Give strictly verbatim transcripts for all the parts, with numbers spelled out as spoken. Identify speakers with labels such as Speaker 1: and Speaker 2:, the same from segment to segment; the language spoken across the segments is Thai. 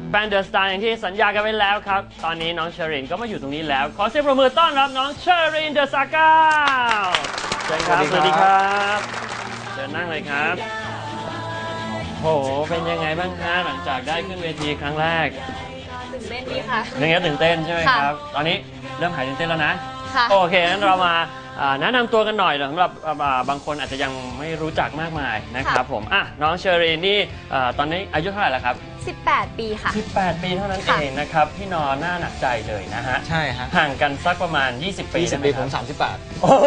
Speaker 1: แบนเดอร์สตาร์อย่างที่สัญญากันไว้แล้วครับตอนนี้น้องเชอรินก็มาอยู่ตรงนี้แล้วขอเสียงปรบมือต้อนรับน้องเชอรินเดอะซาก้าเชิญครับสวัสดีครับเชิญนั่งเลยครับโหเป็นยังไงบ้างฮะหลังจากได้ขึ้นเวทีครั้งแรก
Speaker 2: ตื่นเต้นดีค่ะ
Speaker 1: ยังไงตื่นเต้นใช่ไหมครับตอนนี้เริ่มหายตื่นเต้นแล้วนะโอเคงั้นเรามาแนะนำตัวกันหน่อยสำหรับบางคนอาจจะยังไม่รู้จักมากมายนะครับผมอ่ะน้องเชอรีนนี่ตอนนี้อายุเท่าไหร่แล้วครับ
Speaker 2: สิบแปดปีค่ะ
Speaker 1: สิบแปดปีเท่านั้นเองนะครับพี่นอนหน้าหนักใจเลยนะฮะ
Speaker 3: ใช่ฮะ
Speaker 1: ห่างกันสักประมาณยี่สิบปี
Speaker 3: ยี่สิบปีผมสามสิบแปด
Speaker 1: โอ้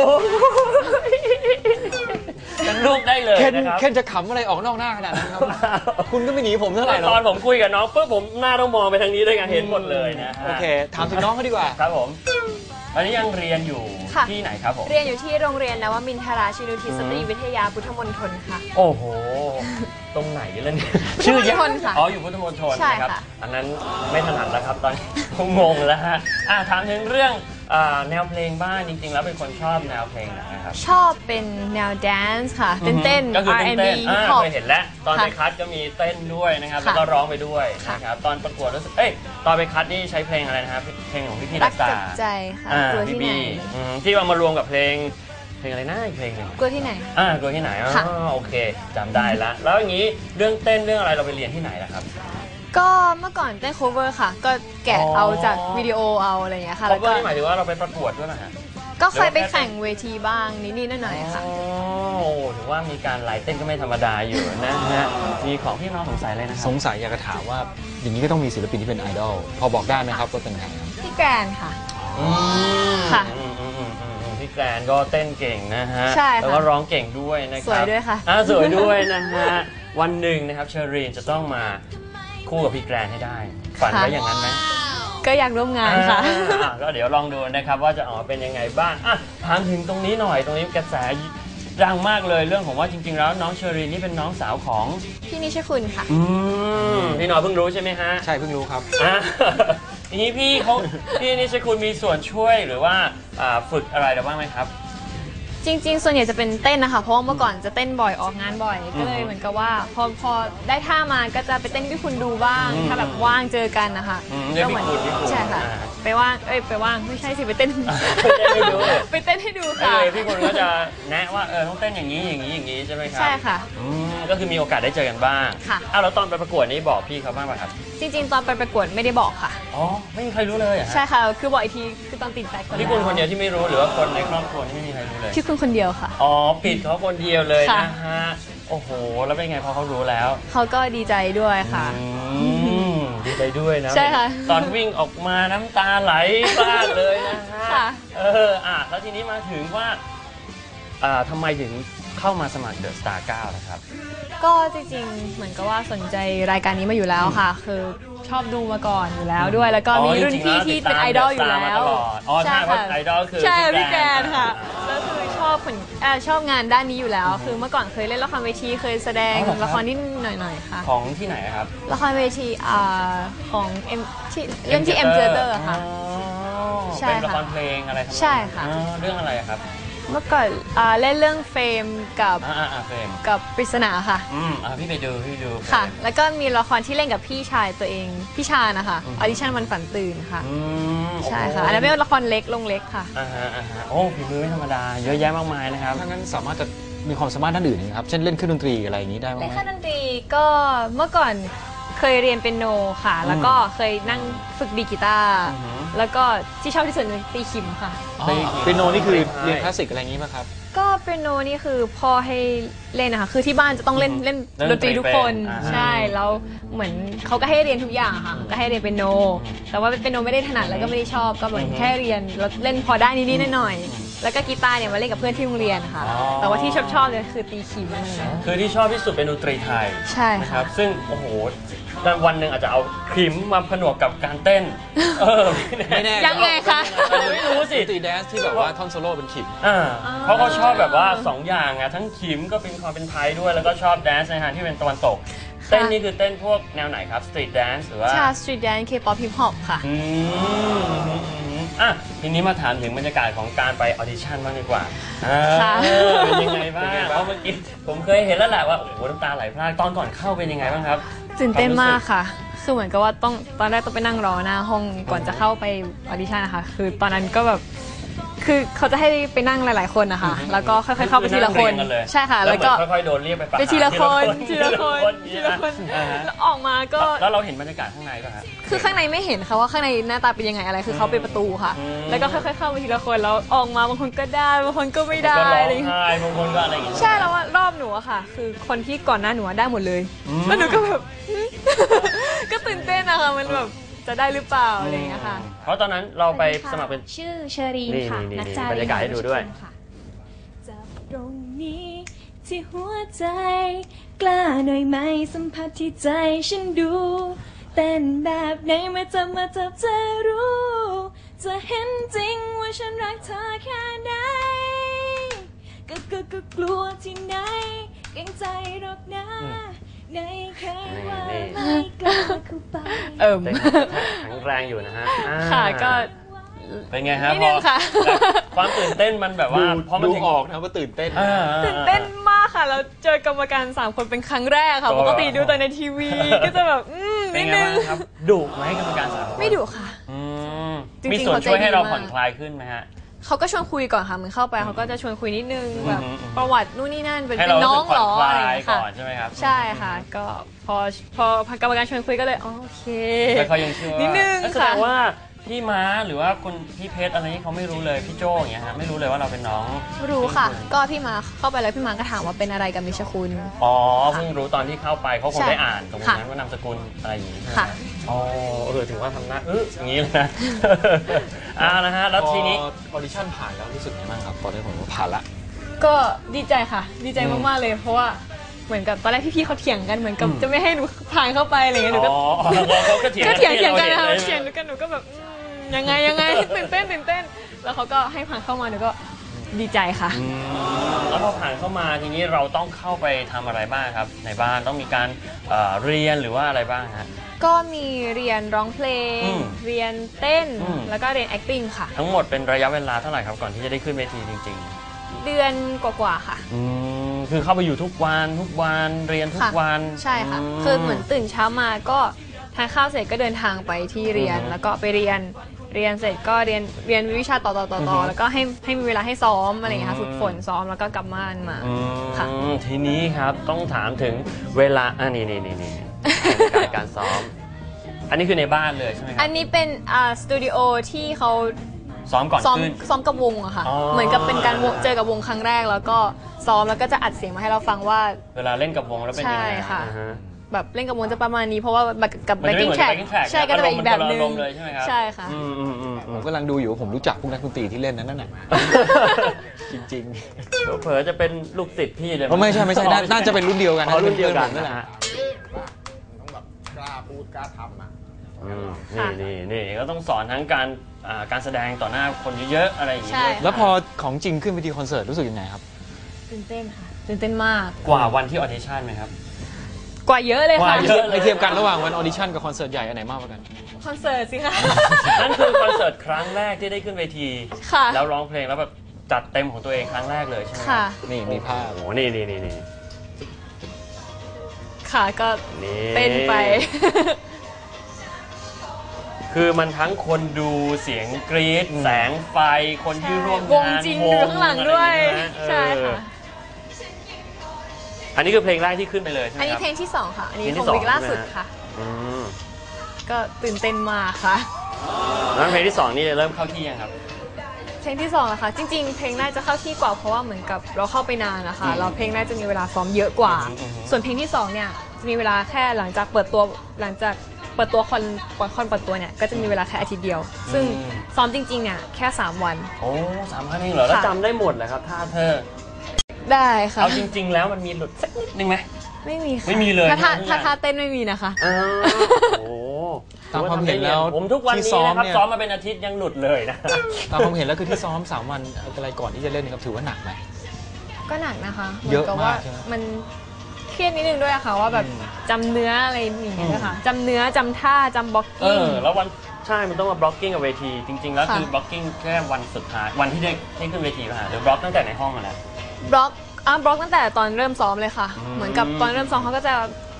Speaker 1: เป็นลูกได้เลยนะครับ
Speaker 3: เคนจะขำอะไรออกนอกหน้าขนาดนั้นครับคุณก็ไม่หนีผมเท่าไหร่หรอก
Speaker 1: ตอนผมคุยกับน้องปุ๊บผมหน้าต้องมองไปทางนี้ด้วยกันเห็นหมดเลยนะ
Speaker 3: โอเคถามถึงน้องเขาดีกว่า
Speaker 1: ครับผมตอนนี้ยังเรียนอยู่ที่ไหนครับผม
Speaker 2: เรียนอยู่ที่โรงเรียนนวมินทราชินูทิศสตรีวิทยาพุทธมณฑลค่ะ
Speaker 1: โอ้โหตรงไหนล่ะเนี่ย
Speaker 2: ชื่อยาก
Speaker 1: อ๋ออยู่พุทธมณฑลนะครับอันนั้นไม่ถนัดแล้วครับตอนงงแล้วฮะอ่ะถามถึงเรื่องแนวเพลงบ้างจริงๆแล้วเป็นคนชอบแนวเพลงไหนครับ
Speaker 2: ชอบเป็นแนวแดนซ์ค่ะเต้นเต้น
Speaker 1: อาร์ แอนด์ บี เคยเห็นแล้วตอนไปคัดก็มีเต้นด้วยนะครับแล้วก็ร้องไปด้วยนะครับตอนประกวดรู้สึกเอ้ยตอนไปคัดนี่ใช้เพลงอะไรนะครับเพลงของพี่พี่รักษา
Speaker 2: ใจค่ะกลัวที่ไหน
Speaker 1: ที่เอามารวมกับเพลงเพลงอะไรนะอีกเพลงหนึ่ง
Speaker 2: กลัวที่ไหน
Speaker 1: อ่ากลัวที่ไหนอ๋อโอเคจำได้ละแล้วอย่างนี้เรื่องเต้นเรื่องอะไรเราไปเรียนที่ไหนล่ะครับ
Speaker 2: ก็เมื่อก่อนเต้น cover ค่ะก็แกะเอาจากวิดีโอเอาอะไรอย่างเงี้ยค่ะ
Speaker 1: cover นี่หมายถึงว่าเราไปประกวดด้วยไหมฮะ
Speaker 2: ก็เคยไปแข่งเวทีบ้างนิดๆหน่อยๆค่ะ
Speaker 1: โอ้ถือว่ามีการไลฟ์เต้นก็ไม่ธรรมดาอยู่นะฮะมีของพี่น้องสงสัยอะไรนะครับ
Speaker 3: สงสัยอยากจะถามว่าอย่างนี้ก็ต้องมีศิลปินที่เป็นไอดอลพอบอกได้ไหมครับว่าเป็นใคร
Speaker 2: พี่แกรนค่ะ
Speaker 1: ค่ะพี่แกรนก็เต้นเก่งนะฮะแล้วก็ร้องเก่งด้วยนะครับ
Speaker 2: สวยด้วยค่ะ
Speaker 1: อ่าสวยด้วยนะฮะวันหนึ่งนะครับเชอรีนจะต้องมาคู่กับพี่แกรนให้ได้ฝันไว้อย่างนั้นไหม
Speaker 2: ก็อยากร่วมงานค่ะ
Speaker 1: ก็เดี๋ยวลองดูนะครับว่าจะออกเป็นยังไงบ้างอ่ะถามถึงตรงนี้หน่อยตรงนี้กระแสดังมากเลยเรื่องของว่าจริงๆแล้วน้องเชอรีนนี่เป็นน้องสาวของ
Speaker 2: พี่นิชคุณค่ะ
Speaker 1: อืมพี่น้อยเพิ่งรู้ใช่ไหมฮะ
Speaker 3: ใช่เพิ่งรู้ครับ
Speaker 1: ทีนี้พี่เขาพี่นิชคุณมีส่วนช่วยหรือว่าฝึกอะไรบ้างไหมครับ
Speaker 2: จริงๆส่วนใหญ่จะเป็นเต้นนะคะเพราะว่าเมื่อก่อนจะเต้นบ่อยออกงานบ่อยก็เลยเหมือนกับว่าพอพอได้ท่ามาก็จะไปเต้นให้คุณดูบ้างถ้าแบบว่างเจอกันนะคะ
Speaker 1: ก็เหมือน
Speaker 2: ใช่ค่ะไปว่างเอ้ยไปว่างไม่ใช่สิไปเต้น
Speaker 1: ให้ดู
Speaker 2: ไปเต้นให้ดูค่ะ
Speaker 1: พี่คุณก็จะแนะว่าเออต้องเต้นอย่างนี้อย่างนี้อย่างนี้ใช่ไหมครับ
Speaker 2: ใช่ค่ะ
Speaker 1: ก็คือมีโอกาสได้เจอกันบ้าง
Speaker 2: ค่ะ
Speaker 1: อ้าวแล้วตอนไปประกวดนี้บอกพี่เขาบ้างป่ะครับ
Speaker 2: จริงๆตอนไปประกวดไม่ได้บอกค่ะ
Speaker 1: อ๋อไม่มีใครรู้เลย
Speaker 2: ใช่ค่ะคือบอกอีกทีคือตอนติดใจคน
Speaker 1: พี่คุณคนเดียวที่ไม่รู้หรือว่าคนในครอบครัวที่ไม่มีใครรู้เลย
Speaker 2: พี่คุณคนเดียวค่ะ
Speaker 1: อ๋อปิดเขาคนเดียวเลยนะฮะโอ้โหแล้วเป็นไงพอเขารู้แล้ว
Speaker 2: เขาก็ดีใจด้วยค่ะ
Speaker 1: ดีใจด้วยนะ
Speaker 2: ใช่ค่ะ
Speaker 1: ตอนวิ่งออกมาน้ำตาไหลพลาดเลยนะฮะเอออ่ะแล้วทีนี้มาถึงว่าอ่าทำไมถึงเข้ามาสมัครเดอะสตาร์เก้านะครับ
Speaker 2: ก็จริงๆเหมือนกับว่าสนใจรายการนี้มาอยู่แล้วค่ะคือชอบดูมาก่อนอยู่แล้วด้วยแล้วก็มีรุ่นพี่ที่เป็นไอดอลอยู่แล้ว
Speaker 1: ใช่ค่ะไอดอลคือ
Speaker 2: ใช่พี่แกรนค่ะแล้วคือชอบผลชอบงานด้านนี้อยู่แล้วคือเมื่อก่อนเคยเล่นละครเวทีเคยแสดงละครนิดหน่อยๆค่ะ
Speaker 1: ของที่ไหนครับ
Speaker 2: ละครเวทีของเอ็มที่เล่นที่เอ็มเจอเตอร์ค่ะ
Speaker 1: ใช่เป็นละครเพลงอะไรครับ
Speaker 2: ใช่ค่ะ
Speaker 1: เรื่องอะไรครับ
Speaker 2: เมื่อก่อนเล่นเรื่องเฟมกับกับปริศนาค่ะ
Speaker 1: อืมพี่ไปดูพี่ดู
Speaker 2: ค่ะแล้วก็มีละครที่เล่นกับพี่ชายตัวเองพี่ชานะคะออดิชั่นวันฝันตื่นค่ะใช่ค่ะอันนั้นเป็นละครเล็กลงเล็กค่ะ
Speaker 1: อ่าฮะอ่าฮะโอ้ฝีมือไม่ธรรมดาเยอะแยะมากมายนะครับ
Speaker 3: ถ้างั้นสามารถจะมีความสามารถด้านอื่นนะครับเช่นเล่นเครื่องดนตรีอะไรอย่างนี้ได้ไหม
Speaker 2: เล่นเครื่องดนตรีก็เมื่อก่อนเคยเรียนเปียโนค่ะแล้วก็เคยนั่งฝึกดีกีตาร์แล้วก็ที่ชอบที่สุดคือตีขิมค่ะ
Speaker 3: เปียโนนี่คือเรียนคลาสสิกอะไรอย่างนี้ป่ะครับ
Speaker 2: ก็เปียโนนี่คือพ่อให้เล่นนะคะคือที่บ้านจะต้องเล่นเล่นดนตรีทุกคนใช่แล้วเหมือนเขาก็ให้เรียนทุกอย่างค่ะก็ให้เรียนเปียโนแต่ว่าเปียโนไม่ได้ถนัดแล้วก็ไม่ได้ชอบก็เหมือนแค่เรียนแล้วเล่นพอได้นิดๆหน่อยๆแล้วก็กีตาร์เนี่ยมาเล่นกับเพื่อนที่โรงเรียนค่ะแต่ว่าที่ชอบชอบเลยคือตีขิม
Speaker 1: คือที่ชอบที่สุดเป็นดนตรีไทย
Speaker 2: ใช่
Speaker 1: ครับซึ่งโอ้โหวันหนึ่งอาจจะเอาขิมมาผนวกกับการเต้นเออ
Speaker 3: ไม่แน่
Speaker 2: ยังไงคะ
Speaker 1: ไม่รู้สิ
Speaker 3: ตีแดนซ์ที่แบบว่าท่อนโซโล่เป็นขิม
Speaker 1: อ่าเพราะเขาชอบแบบว่าสองอย่างไงทั้งขิมก็เป็นความเป็นไทยด้วยแล้วก็ชอบแดนซ์ในทางที่เป็นตะวันตกเต้นนี่คือเต้นพวกแนวไหนครับสตรีทแดนซ์หรือว่า
Speaker 2: ใช่สตรีทแดนซ์เคป๊อปฮิปฮอปค่ะ
Speaker 1: อืมอ่ะทีนี้มาถามถึงบรรยากาศของการไปออดิชั่นบ้างดีกว่าเป็นยังไงบ้างเพราะเมื่อกี้ผมเคยเห็นแล้วแหละว่าโอ้โหน้ำตาไหลพรากตอนก่อนเข้าเป็นยังไงบ้างครับ
Speaker 2: ตื่นเต้นมากค่ะคือเหมือนกับว่าต้องตอนแรกต้องไปนั่งรอหน้าห้องก่อนจะเข้าไปออดิชั่นนะคะคือตอนนั้นก็แบบคือเขาจะให้ไปนั่งหลายๆคนนะคะแล้วก็ค่อยๆเข้าไปทีละคนใช่ค่ะแล้วก็
Speaker 1: ค่อยๆโดนเรียกไป
Speaker 2: ไปทีละคนทีละคนทีละคนแล้วออกมาก็
Speaker 1: แล้วเราเห็นบรรยากาศข้างในป่ะฮะ
Speaker 2: คือข้างในไม่เห็นค่ะว่าข้างในหน้าตาเป็นยังไงอะไรคือเขาเป็นประตูค่ะแล้วก็ค่อยๆเข้าไปทีละคนแล้วออกมาบางคนก็ได้บางคนก็ไม่ได้อะไรอย่างเงี้ย
Speaker 1: บางคนก็อะไรอย่างเงี้ย
Speaker 2: ใช่แล้วว่ารอบหนูอะค่ะคือคนที่ก่อนหน้าหนูได้หมดเลยแล้วหนูก็แบบก็ตื่นเต้นนะคะมันแบบจะได้หรือเปล่าอะไรอย่างเงี้ยค่ะ
Speaker 1: เพราะตอนนั้นเราไปสมัครเป็น
Speaker 4: ชื่อเชอรีนค่ะ
Speaker 1: นักจารีบรรยากาศให้ดูด้วย
Speaker 4: จับตรงนี้ที่หัวใจกล้าหน่อยไหมสัมผัสที่ใจฉันดูเต้นแบบไหนมาจับมาจับจะรู้จะเห็นจริงว่าฉันรักเธอแค่ไหนก็ก็ก็กลัวที่ไหนเกรงใจหรอกนะในเคยว่าไม่กล้าเข้าไป
Speaker 2: เอิ่ม
Speaker 1: แข็งแรงอยู่นะฮะ
Speaker 2: ค่ะก็
Speaker 1: เป็นไงครับ
Speaker 2: นิดนึงค่ะ
Speaker 1: ความตื่นเต้นมันแบบว่าพอมัน
Speaker 3: ดูออกนะว่าตื่นเต้น
Speaker 2: ตื่นเต้นมากค่ะแล้วเจอกรรมการสามคนเป็นครั้งแรกค่ะปกติดูแต่ในทีวีก็จะแบบอืมนิดนึง
Speaker 1: ครับดุไหมกรรมการสามคน
Speaker 2: ไม่ดุค่ะ
Speaker 1: มีส่วนช่วยให้เราผ่อนคลายขึ้นไหมฮะ
Speaker 2: เขาก็ชวนคุยก่อนค่ะเหมือนเข้าไปเขาก็จะชวนคุยนิดนึงแบบประวัตินู่นนี่นั่นเป็นน้องหรออะไรอย่างเงี้ยค่ะ
Speaker 1: ใช่ไหมครับ
Speaker 2: ใช่ค่ะก็พอพอกรรมการชวนคุยก็เลยโอเค
Speaker 1: แต่เขายังเชื่อ
Speaker 2: นิดนึง
Speaker 1: ค่ะแสดงว่าพี่ม้าหรือว่าคนพี่เพชรอะไรนี้เขาไม่รู้เลยพี่โจ้อย่างเงี้ยฮะไม่รู้เลยว่าเราเป็นน้อง
Speaker 2: รู้ค่ะก็พี่ม้าเข้าไปแล้วพี่ม้าก็ถามว่าเป็นอะไรกับนิชคุณ
Speaker 1: อ๋อเพิ่งรู้ตอนที่เข้าไปเขาคงได้อ่านตรงนั้นว่านามสกุลอะไรอย่างงี้
Speaker 2: ค่ะ
Speaker 1: อ๋อเออถึงว่าทำหน้าเอออย่างนี้เลยนะอ่านะฮะแล้วทีนี้
Speaker 3: ออดิชั่นผ่านแล้วรู้สึกยังไงบ้างครับตอนนี้ผมว่าผ่านละ
Speaker 2: ก็ดีใจค่ะดีใจมากๆเลยเพราะว่าเหมือนกับตอนแรกพี่ๆเขาเถียงกันเหมือนกับจะไม่ให้หนูผ่านเข้าไปอะไรเงี้ยหนูก็
Speaker 1: ก็เถียง
Speaker 2: ก็เถียงเถียงกันนะคะเถียงกันหนูก็แบบยังไงยังไงตื่นเต้นตื่นเต้นแล้วเขาก็ให้ผ่านเข้ามาหนูก็ดีใจค่ะ
Speaker 1: แล้วพอผ่านเข้ามาทีนี้เราต้องเข้าไปทำอะไรบ้างครับในบ้านต้องมีการเรียนหรือว่าอะไรบ้างฮะ
Speaker 2: ก็มีเรียนร้องเพลงเรียนเต้นแล้วก็เรียน acting ค่ะ
Speaker 1: ทั้งหมดเป็นระยะเวลาเท่าไหร่ครับก่อนที่จะได้ขึ้นเวทีจริง
Speaker 2: ๆเดือนกว่าๆค่ะ
Speaker 1: คือเข้าไปอยู่ทุกวันทุกวันเรียนทุกวัน
Speaker 2: ใช่ค่ะคือเหมือนตื่นเช้ามาก็ทานข้าวเสร็จก็เดินทางไปที่เรียนแล้วก็ไปเรียนเรียนเสร็จก็เรียนเรียนวิชาต่อต่อต่อต่อแล้วก็ให้ให้มีเวลาให้ซ้อมอะไรอย่างเงี้ยค่ะฝึกฝนซ้อมแล้วก็กลับบ้านมาค่ะ
Speaker 1: ทีนี้ครับต้องถามถึงเวลาอ่านี่นี่นี่นี่การการซ้อมอันนี้คือในบ้านเลยใช่ไหมครับ
Speaker 2: อันนี้เป็นอ่าสตูดิโอที่เขา
Speaker 1: ซ้อมก่อนขึ้น
Speaker 2: ซ้อมกับวงอะค่ะเหมือนกับเป็นการเจอกับวงครั้งแรกแล้วก็ซ้อมแล้วก็จะอัดเสียงมาให้เราฟังว่า
Speaker 1: เวลาเล่นกับวงแล้วเป็นยังไง
Speaker 2: ใช่ค่ะแบบเล่นกับวงจะประมาณนี้เพราะว่ากับ backing track ใช่ก็จะเป็นอีกแบบนึงใช่ค่ะ
Speaker 3: ผมกำลังดูอยู่ผมรู้จักพวกนักดนตรีที่เล่นนั้นน่ะจริง
Speaker 1: ๆเผลอจะเป็นลูกศิษย์พี่เลย
Speaker 3: ไม่ใช่ไม่ใช่น่าจะเป็นรุ่นเดียวกัน
Speaker 1: รุ่นเดียวกันนั่นแหละ
Speaker 5: ต้องแบบกล้าพูดกล้าทำอ่ะ
Speaker 1: นี่นี่นี่ก็ต้องสอนทั้งการการแสดงต่อหน้าคนเยอะๆอะไรอย่างเงี้ย
Speaker 3: แล้วพอของจริงขึ้นไปที่คอนเสิร์ตรู้สึกยังไงครับ
Speaker 2: ตื่นเต้นค่ะตื่นเต้นมาก
Speaker 1: กว่าวันที่ออดิชั่นไหมครับ
Speaker 2: กว่าเยอะเลยค่ะ
Speaker 3: ไปเทียบกันระหว่างวันออดิชั่นกับคอนเสิร์ตใหญ่อันไหนมากกว่ากัน
Speaker 2: คอนเสิร์ตสิคะ
Speaker 1: นั่นคือคอนเสิร์ตครั้งแรกที่ได้ขึ้นเวทีแล้วร้องเพลงแล้วแบบจัดเต็มของตัวเองครั้งแรกเลยใช่ไหม
Speaker 2: ค่ะ
Speaker 3: นี่มีภาพ
Speaker 1: โอ้นี่นี่นี่นี่
Speaker 2: ค่ะก็เต้นไป
Speaker 1: คือมันทั้งคนดูเสียงกรี๊ดแสงไฟคนที่ร่วมงาน
Speaker 2: วงจริงดูข้างหลังด้วยใช่ค่ะ
Speaker 1: อันนี้คือเพลงแรกที่ขึ้นไปเลยใช่ไหมครับ
Speaker 2: อันนี้เพลงที่สองค่ะอันนี้ของวิกล่าสุดค่ะก็ตื่นเต้นมากค่ะ
Speaker 1: แล้วเพลงที่สองนี่เริ่มเข้าที่ยังครับ
Speaker 2: เพลงที่สองนะคะจริงๆเพลงแรกจะเข้าที่กว่าเพราะว่าเหมือนกับเราเข้าไปนานนะคะเราเพลงแรกจะมีเวลาซ้อมเยอะกว่าส่วนเพลงที่สองเนี่ยจะมีเวลาแค่หลังจากเปิดตัวหลังจากเปิดตัวคอนคอนเปิดตัวเนี่ยก็จะมีเวลาแค่อาทิตย์เดียวซึ่งซ้อมจริงๆเนี่ยแค่สามวัน
Speaker 1: โอ้สามวันเองเหรอแล้วจำได้หมดเลยครับท่าเธอ
Speaker 2: ได้ค่ะ
Speaker 1: เอาจริงๆแล้วมันมีหลุดสักนิดนึงไหม
Speaker 2: ไม่มีค่ะ
Speaker 1: ไม่มีเลย
Speaker 2: ถ้าถ้าท่าเต้นไม่มีนะคะ
Speaker 1: โอ้
Speaker 3: ตามความเห็นแล้ว
Speaker 1: ผมทุกวันนี้นะครับซ้อมมาเป็นอาทิตย์ยังหลุดเลยนะ
Speaker 3: ตามความเห็นแล้วคือที่ซ้อมสามวันอะไรก่อนที่จะเล่นนี่ครับถือว่าหนักไหม
Speaker 2: ก็หนักนะคะ
Speaker 3: เยอะมากใช่ไหม
Speaker 2: มันเครียดนิดนึงด้วยค่ะว่าแบบจำเนื้ออะไรอย่างเงี้ยค่ะจำเนื้อจำท่าจำบล็อกกิ้ง
Speaker 1: แล้ววันใช่มันต้องมาบล็อกกิ้งกับเวทีจริงๆแล้วคือบล็อกกิ้งแค่วันสุดท้ายวันที่ได้ให้ขึ้นเวทีป่ะหรือบล็อกตั้งแต่ในห้องมาแล้ว
Speaker 2: บล็อกอ่ะบล็อกตั้งแต่ตอนเริ่มซ้อมเลยค่ะเหมือนกับตอนเริ่มซ้อมเขาก็จะ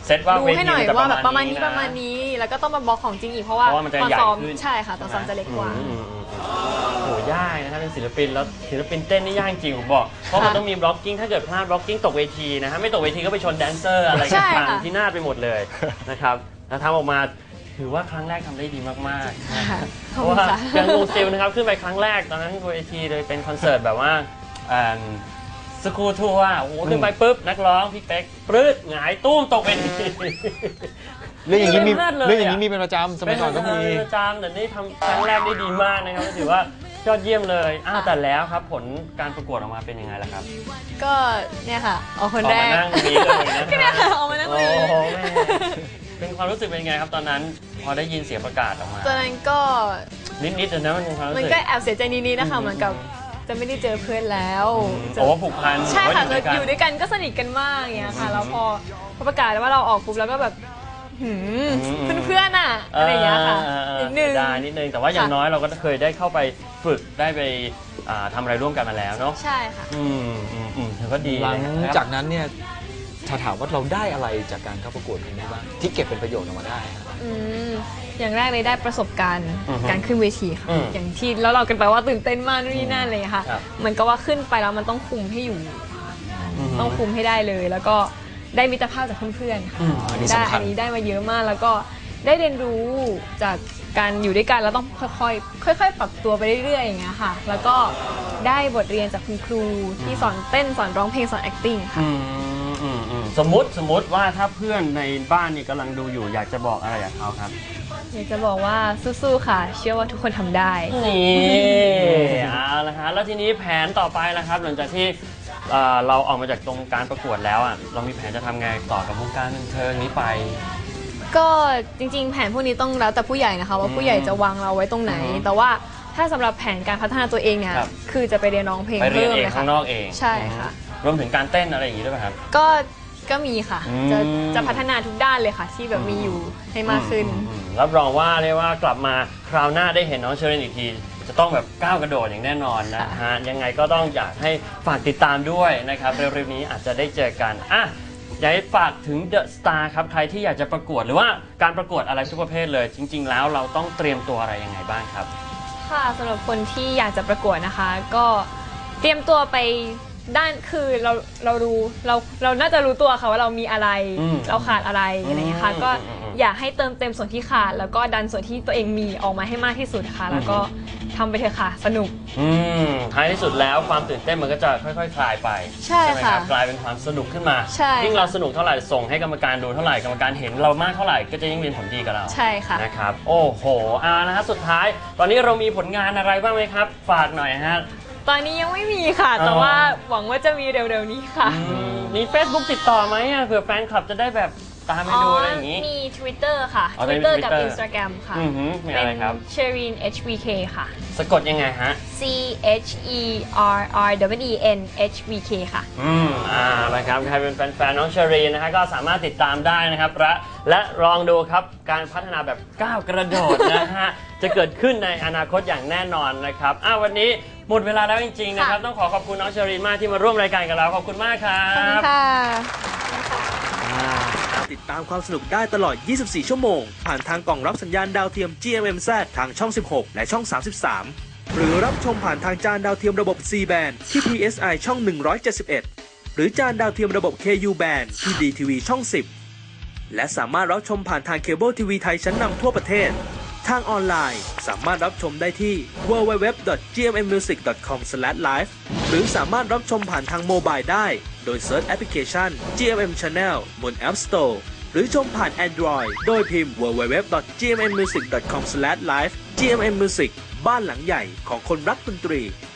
Speaker 1: เซตว่า
Speaker 2: ดู
Speaker 1: เว
Speaker 2: ให้
Speaker 1: ที
Speaker 2: หน่อย
Speaker 1: มันจะ
Speaker 2: ว่าแบบประมาณนี้
Speaker 1: นะ
Speaker 2: ประมาณนี้แล้วก็ต้องมาบล็อกของจริงอีกเพราะว่า
Speaker 1: เพราะว่ามันจะ
Speaker 2: ตอน
Speaker 1: ใหญ่
Speaker 2: ซ้อม
Speaker 1: ขึ้น
Speaker 2: ใช่ค่ะตอนซ้อมจะเล็กกว่า
Speaker 1: อืมอืมอืมโหยากนะครับเป็นศิลปินแล้วศิลปินเต้นนี่ยากจริงผมบอกเพราะมันต้องมีบล็อกกิ้งถ้าเกิดพลาดบล็อกกิ้งตกเวทีนะฮะไม่ตกเวทีก็ไปชนแดนเซอร์อะไร
Speaker 2: ใช่
Speaker 1: กัน
Speaker 2: ค่ะ
Speaker 1: ที่หน้าไปหมดเลยนะครับแล้วทำออกมาถือว่าครั้งแรกทำได้ดีมากๆนะฮะ
Speaker 2: ข
Speaker 1: เพ
Speaker 2: อบ
Speaker 1: ราะ
Speaker 2: คุณ
Speaker 1: ว่า
Speaker 2: ค่ะ
Speaker 1: อย่างงูซิลนะครับขึ้นไปครั้งแรกตอนนั้นเวทีเลยเป็นคอนเสิร์ตแบบว่าสกูทัวร์โอ้โหขึ้นไปปุ๊บนักร้องพี่เป๊กปลื้ดหงายตุ้มตกเวที
Speaker 3: เรื่องอย่างนี้มี
Speaker 1: เลิศเลยอะ
Speaker 3: เรื่องอย่างนี้มีเป็นประจำสมัยก่อนก็มี
Speaker 1: เป็นประจำแต่นี่ทำครั้งแรกได้ดีมากนะครับก็ถือว่ายอดเยี่ยมเลยอ้าวแต่แล้วครับผลการประกวดออกมาเป็นยังไงล่ะครับ
Speaker 2: ก็เนี่ยค่ะออกคน
Speaker 1: ออก
Speaker 2: แร
Speaker 1: มาก นั่งตรงนี้เลยนะ
Speaker 2: ก็เนี่ยค่ะออกมานั่งตรง
Speaker 1: โอ้
Speaker 2: นี้
Speaker 1: โหแม่เป็นความรู้สึกเป็นยังไงครับตอนนั้นพอได้ยินเสียงประกาศออกมา
Speaker 2: ตอนนั้นก็
Speaker 1: นิดๆนะมันเป็นความรู้
Speaker 2: มัน
Speaker 1: สึก
Speaker 2: ก็แอบเสียใจนิดๆนะคะเหมือนกับจะไม่ได้เจอเพื่อนแล้วจะ
Speaker 1: โอ้ผูกพัน
Speaker 2: ใช่ค่ะ
Speaker 1: เพราว่า
Speaker 2: อยู่ด้วยกันก็สนิทกันมากอย่างเงี้ยค่ะแล้วพอพอประกาศว่าเราออกปุ๊บแล้วก็แบบหืมเพื่อนๆอ่ะอะไรอย่างเงี้ยค่ะนิดนึง
Speaker 1: เสียดายนิดนึงแต่ว่าอย่าง
Speaker 2: ค่ะ
Speaker 1: น้อยเราก็เคยได้เข้าไปฝึกได้ไปอ่าทำอะไรร่วมกันมาแล้วเนาะ
Speaker 2: ใช่ค่ะ
Speaker 1: อืมอืมอืมถือว่าดี
Speaker 3: หลัง
Speaker 1: นะครับ
Speaker 3: จากนั้นเนี่ยถ้าถามว่าเราได้อะไรจากการเข้าประกวดครั้งนี้บ้างที่เก็บเป็นประโยชน์ออกมาได้ครับ
Speaker 2: อืมอย่างแรกเลยได้ประสบการณ์
Speaker 1: อือฮึ
Speaker 2: การขึ้นเวทีค่ะ
Speaker 1: อืม
Speaker 2: อย่างที่แล้วเรากันไปว่าตื่นเต้นมากนู่นนี่นั่นเลยค่ะ
Speaker 1: ครับ
Speaker 2: เหมือนกับว่าขึ้นไปแล้วมันต้องคุมให้อยู่
Speaker 1: อืม
Speaker 2: ต้องคุมให้ได้เลย แล้วก็ได้มิตรภาพจากเพื่อนๆค่ะ
Speaker 1: อืม
Speaker 3: อันนี้
Speaker 2: ได้
Speaker 3: สำคั
Speaker 2: อั
Speaker 3: ญ
Speaker 2: นนี้ได้มาเยอะมากแล้วก็ได้เรียนรู้จากการอยู่ด้วยกันแล้วต้องค่อยๆค่อยๆปรับตัวไปเรื่อยๆอย่างเงี้ยค่ะ แล้วก็ได้บทเรียนจากคุณครูที่สอนเต้นสอนร้องเพลงสอน acting ค่ะ
Speaker 1: อืมอืมอืมสมมติสมมติว่าถ้าเพื่อนในบ้านนี่กำลังดูอยู่อยากจะบอกอะไรกับเขาครับ
Speaker 2: อยากจะบอกว่าสู้ๆค่ะ เชื่อว่าทุกคนทำได้
Speaker 1: นี่เอาละฮะแล้วทีนี้แผนต่อไปนะครับ หลังจากที่เอ่อเราออกมาจากตรงการประกวดแล้วอ่ะเรามีแผนจะทำไงต่อกับวงการบันเทิงนี้ไป
Speaker 2: ก็จริงๆ แผนพวกนี้ต้องแล้วแต่ผู้ใหญ่นะคะว่าผู้ใหญ่จะวางเราไว้ตรงไหน
Speaker 1: อือฮึ
Speaker 2: แต่ว่าถ้าสำหรับแผนการพัฒนาตัวเองเนี่ย
Speaker 1: ครับ
Speaker 2: คือจะไปเรียนร้องเพลง
Speaker 1: ไปเรียน
Speaker 2: เพิ่ม
Speaker 1: เอง
Speaker 2: เลยค่ะ
Speaker 1: ข้างนอกเอง
Speaker 2: ใช่ค่ะ
Speaker 1: รวมถึงการเต้นอะไรอย่างนี้ด้วยไหมครับ
Speaker 2: ก็ก็มีค่ะ
Speaker 1: อืม
Speaker 2: จะจะพัฒนาทุกด้านเลยค่ะ ที่แบบมีอยู่ให้มากขึ้น
Speaker 1: อืมอืมรับรองว่าเรียกว่ากลับมาคราวหน้าได้เห็นน้องเชอรินอีกทีจะต้องแบบก้าวกระโดดอย่างแน่นอนนะฮะยังไงก็ต้องอยากให้ฝากติดตามด้วยนะครับเร็วๆนี้อาจจะได้เจอกันอ่ะอยากให้ฝากถึงเดอะสตาร์ครับใครที่อยากจะประกวดหรือว่าการประกวดอะไรทุกประเภทเลย จริง ๆ แล้วเราต้องเตรียมตัวอะไรยังไงบ้างครับ
Speaker 2: ค่ะสำหรับคนที่อยากจะประกวดนะคะ ก็เตรียมตัวไปด้านคือเราเรารู้เราเราน่าจะรู้ตัวค่ะว่าเรามีอะไร
Speaker 1: อืม
Speaker 2: เราขาดอะไรอะไรอย่างเงี้ยค่ะ
Speaker 1: อืม
Speaker 2: ก็
Speaker 1: อืมอืม
Speaker 2: อยากให้เติมเต็มส่วนที่ขาด แล้วก็ดันส่วนที่ตัวเองมีออกมาให้มากที่สุดค่ะ แล้วก็ทำไปเถอะค่ะสนุก
Speaker 1: อืมท้ายที่สุดแล้วความตื่นเต้นมันก็จะค่อยๆคลายไป
Speaker 2: ใช่
Speaker 1: ไหมค
Speaker 2: ค่ะ
Speaker 1: รับกลายเป็นความสนุกขึ้นมา
Speaker 2: ใช่
Speaker 1: ยิ่งเราสนุกเท่าไหร่ส่งให้กรรมการดูเท่าไหร่กรรมการเห็นเรามากเท่าไหร่ก็จะยิ่งเป็นผลดีกับเรา
Speaker 2: ใช่ค่ะ
Speaker 1: นะครับโอ้โหเอานะฮะสุดท้าย ตอนนี้เรามีผลงานอะไรบ้างไหมครับ ฝากหน่อยฮะ
Speaker 2: ตอนนี้ยังไม่มีค่ะ แต่
Speaker 1: อ๋อ
Speaker 2: ว่าหวังว่าจะมีเร็วๆนี้ค่ะ
Speaker 1: อืมมี Facebook ติดต่อไหมอะเผื่อแฟนคลับจะได้แบบตามไปดูอะไรอย่างนี้
Speaker 2: มี Twitter ค่ะ
Speaker 1: อ๋อมี
Speaker 2: Twitter กับ
Speaker 1: Twitter
Speaker 2: Instagram ค่ะ
Speaker 1: อือหือมี
Speaker 2: เป็
Speaker 1: อะไร
Speaker 2: น
Speaker 1: ครับ
Speaker 2: Sherin เอช วี เค ค่ะ
Speaker 1: สะกดยังไงฮะ
Speaker 2: C H E R R W E N H V K ค่ะ
Speaker 1: อืมอ่านะครับใครเป็นแฟนๆน้องเชอรีนนะฮะก็สามารถติดตามได้นะครับและและลองดูครับการพัฒนาแบบก้าวกระโดดนะฮะ จะเกิดขึ้นในอนาคตอย่างแน่นอนนะครับอ้าววันนี้หมดเวลาแล้วจริงๆนะครับ
Speaker 2: ค่ะ
Speaker 1: ต้องขอขอบคุณน้องเชอรีนมากที่มาร่วมรายการกับเราขอบคุณมากครั
Speaker 2: ขอบคุณ
Speaker 1: บ
Speaker 2: ค่ะ
Speaker 6: ติดตามความสนุกได้ตลอด ยี่สิบสี่ ชั่วโมง ผ่านทางกล่องรับสัญญาณดาวเทียม จี เอ็ม เอ็ม แซด ทางช่อง สิบหก และช่อง สามสิบสาม หรือรับชมผ่านทางจานดาวเทียมระบบ ซี แบน ที่ พี เอส ไอ ช่อง หนึ่งร้อยเจ็ดสิบเอ็ด หรือจานดาวเทียมระบบ เค ยู แบน ที่ ดี ที วี ช่อง สิบ และสามารถรับชมผ่านทางเคเบิลทีวีไทยชั้นนำทั่วประเทศ ทางออนไลน์สามารถรับชมได้ที่ ดับเบิลยู ดับเบิลยู ดับเบิลยู ดอท จี เอ็ม เอ็ม มิวสิก ดอท คอม สแลช ไลฟ์ หรือสามารถรับชมผ่านทางโมบายได้ โดยเซิร์ชแอปพลิเคชัน จี เอ็ม เอ็ม Channel บน App Store หรือชมผ่าน Android โดยพิมพ์ ดับเบิลยู ดับเบิลยู ดับเบิลยู ดอท จี เอ็ม เอ็ม มิวสิก ดอท คอม สแลช ไลฟ์ จี เอ็ม เอ็ม Music บ้านหลังใหญ่ของคนรักดนตรี